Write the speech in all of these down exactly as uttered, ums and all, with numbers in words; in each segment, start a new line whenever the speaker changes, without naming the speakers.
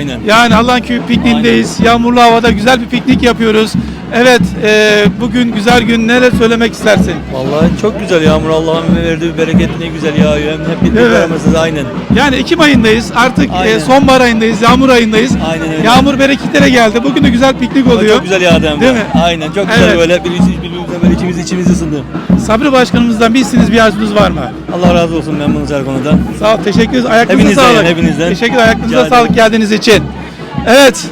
Aynen.
Yani Alanköy pikniğindeyiz. Yağmurlu havada güzel bir piknik yapıyoruz. Evet, e, bugün güzel gün. Neler söylemek istersin?
Vallahi çok güzel yağmur, Allah'ın verdiği bir bereket ne güzel yağıyor. Hem hep birlikte
Evet.
aramızda aynen.
Yani Ekim ayındayız. Artık e,
Aynen.
sonbahar ayındayız. Yağmur ayındayız.
Aynen öyle.
Yağmur bereketlere geldi. Bugün de güzel piknik
Ama
oluyor.
çok güzel yağdı hem de.
Değil mi?
Aynen çok güzel
Evet.
böyle birbirimize böyle içimiz içimiz ısındı.
Sabri Başkanımızdan bir isteğiniz, bir arzunuz var mı?
Allah razı olsun, memnunuz her konuda.
Sağ ol, teşekkür ederiz. Ayaklarınıza
Hepinizden
sağlık.
yani, hepinizden.
Teşekkür ederim. Ayaklarınıza
Rica
sağlık
ederim.
geldiğiniz için. Evet.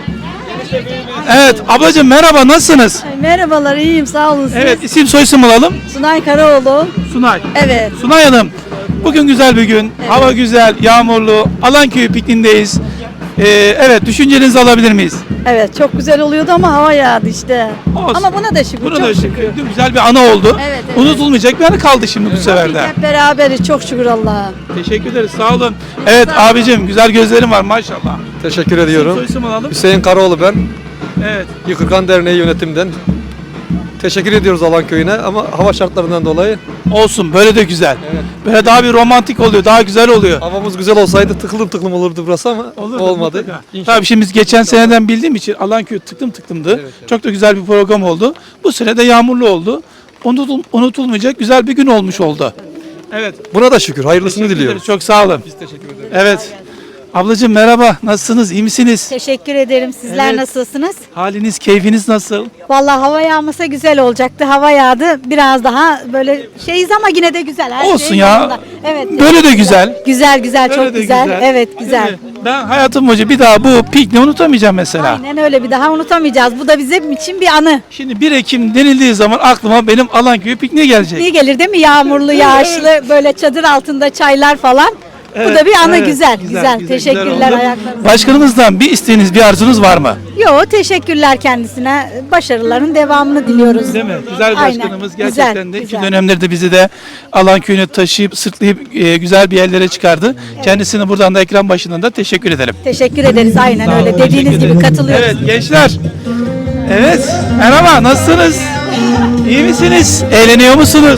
Evet, ablacığım merhaba, nasılsınız?
Merhabalar, iyiyim, sağ olun. Siz?
Evet, isim soyisim alalım.
Sunay Karaoğlu.
Sunay.
Evet.
Sunay Hanım, bugün güzel bir gün. Hava güzel, yağmurlu. Alanköy pikniğindeyiz. Ee, evet, düşüncelerinizi alabilir miyiz?
Evet, çok güzel oluyordu ama hava yağdı işte.
Olsun.
Ama buna da şükür,
Buna
çok
da
şükür.
şükür. Güzel bir ana oldu.
Evet, evet.
Unutulmayacak bir anı kaldı şimdi bu sefer de.
Hep beraberiz, çok şükür Allah'a.
Teşekkür ederiz, sağ olun. Evet abicim, güzel gözlerin var maşallah.
Teşekkür ediyorum.
Soyisim alalım.
Hüseyin Karaoğlu ben.
Evet.
Yıkırkan Derneği yönetimden. Teşekkür ediyoruz Alanköy'üne ama hava şartlarından dolayı
Olsun, böyle de güzel.
Evet.
Böyle daha bir romantik oluyor, daha güzel oluyor.
havamız güzel olsaydı tıklım tıklım olurdu burası ama
Olurdu,
olmadı.
mutlaka.
İnşallah.
Tabii şimdi biz geçen seneden bildiğim için Alanköy tıklım tıklımdı.
Evet, evet.
Çok da güzel bir program oldu. Bu sene de yağmurlu oldu. Unutul, unutulmayacak güzel bir gün olmuş oldu. Evet.
Buna da şükür. Hayırlısını
Teşekkür
diliyoruz.
ederiz, çok sağ olun.
Biz teşekkür ederiz.
Evet. Ablacığım merhaba, nasılsınız, iyi misiniz?
Teşekkür ederim. Sizler
Evet.
nasılsınız?
Haliniz, keyfiniz nasıl?
Vallahi hava yağmasa güzel olacaktı. Hava yağdı. Biraz daha böyle şeyiz ama yine de güzel. Her
Olsun
şey
ya.
yolunda. Evet.
Böyle de güzel.
Güzel güzel,
Böyle
çok
de
güzel. Evet,
Değil
güzel.
mi? Ben hayatım boyunca bir daha bu pikniği unutamayacağım mesela.
Aynen öyle, bir daha unutamayacağız. Bu da bizim için bir anı.
Şimdi bir Ekim denildiği zaman aklıma benim Alanköy pikniği gelecek.
İyi gelir değil mi? Yağmurlu, yağışlı, böyle çadır altında çaylar falan. Bu da bir anı,
Evet,
güzel, güzel. Teşekkürler,
oldu.
ayaklarınıza.
Başkanımızdan bir isteğiniz, bir arzunuz var mı?
Yo, teşekkürler kendisine. Başarıların devamını diliyoruz.
Değil mi? Güzel
Aynen,
başkanımız
güzel,
gerçekten de iki
güzel.
dönemleri de bizi de Alanköy'ünü taşıyıp sırtlayıp e, güzel bir yerlere çıkardı. Kendisine buradan da ekran başından da teşekkür ederim.
Teşekkür ederiz. Aynen öyle.
Teşekkür
Dediğiniz gibi
ederiz.
katılıyoruz.
Evet gençler. Evet. Merhaba, nasılsınız? İyi misiniz? Eğleniyor musunuz?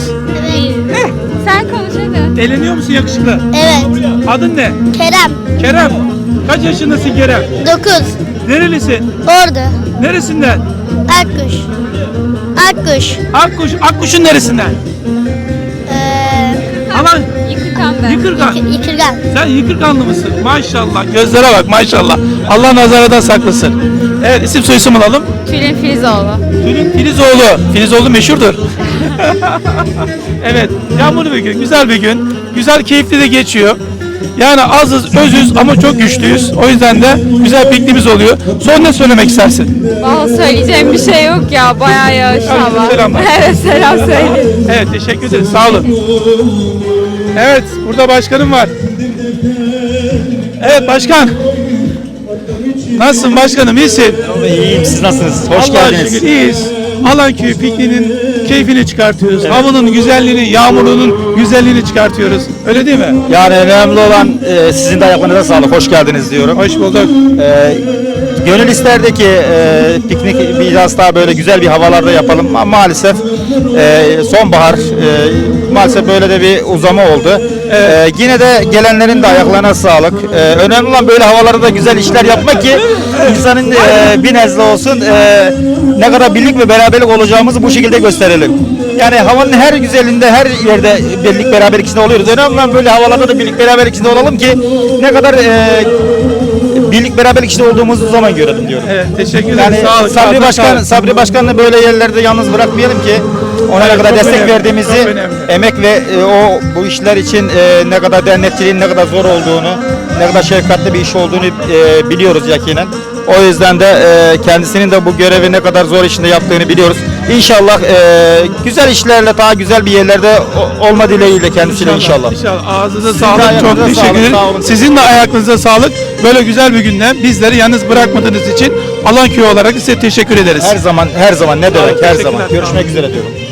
Sen konuş hadi.
Eğleniyor musun yakışıklı?
Evet.
Adın ne?
Kerem.
Kerem. Kaç yaşındasın Kerem?
dokuz.
Nerelisin?
Ordu.
Neresinden?
Akkuş. Akkuş.
Akkuş. Akkuş'un neresinden?
Ee,
Aman
Yıkıkan ben.
Yıkırgan.
Yıkırgan.
Sen Yıkırganlı mısın? Maşallah. Gözlere bak maşallah. Allah nazardan saklasın. Evet, isim soyisim alalım.
Tülin Filizoğlu.
Tülin Filizoğlu. Filizoğlu meşhurdur. Evet, yağmurlu bir gün, güzel bir gün. Güzel, keyifli de geçiyor. Yani azız, özüz ama çok güçlüyüz. O yüzden de güzel pikniğimiz oluyor. Son ne söylemek istersin?
Vallahi söyleyeceğim bir şey yok ya. Bayağı yağış
Herkese
hava.
selamlar.
Evet, selam söyle.
Evet, teşekkür ederiz. Sağ olun. Evet, burada başkanım var. Evet başkan. Nasılsın başkanım, iyisin?
İyiyim, siz nasılsınız? Hoş
Allah'a
geldiniz.
şükür iyiyiz. Alanköy pikniğinin keyfini çıkartıyoruz. Havanın güzelliğini, yağmurunun güzelliğini çıkartıyoruz. Öyle değil mi?
Yani önemli olan e, sizin de ayaklarınıza sağlık, hoş geldiniz diyorum.
Hoş bulduk.
E, gönül isterdi ki e, piknik biraz daha böyle güzel bir havalarda yapalım ama maalesef e, sonbahar, e, maalesef böyle de bir uzama oldu. E, yine de gelenlerin de ayaklarına sağlık. E, önemli olan böyle havalarda da güzel işler yapmak ki insanın e, bir nezle olsun e, ne kadar birlik ve beraberlik olacağımızı bu şekilde gösterelim. Yani havanın her güzelinde, her yerde birlik beraberlik içinde oluyoruz. Önemli olan böyle havalarda da birlik beraberlik içinde olalım ki ne kadar e, birlik beraberlik içinde olduğumuzu zaman görelim diyorum.
Evet, teşekkür ederim.
Yani
Sağ olun.
Sabri
Sağ olun.
Başkan, Sabri Başkan'ı böyle yerlerde yalnız bırakmayalım ki ona
Evet,
ne kadar
çok
destek
önemli,
verdiğimizi,
çok önemli.
emek ve e, o bu işler için e, ne kadar dernekçiliğin ne kadar zor olduğunu, ne kadar şefkatli bir iş olduğunu e, biliyoruz yakinen. O yüzden de e, kendisinin de bu görevi ne kadar zor içinde yaptığını biliyoruz. İnşallah e, güzel işlerle daha güzel bir yerlerde o- olma dileğiyle kendisiyle inşallah.
İnşallah. Ağzınıza
de
sağlık. Çok
ayaklarınıza
teşekkür
sağlık,
ederim.
sağ olun.
Sizin de ayaklarınıza sağlık. Böyle güzel bir günde bizleri yalnız bırakmadığınız için Alanköy olarak size teşekkür ederiz.
Her zaman her zaman ne demek her
teşekkürler,
zaman.
sağ olun.
Görüşmek üzere diyorum.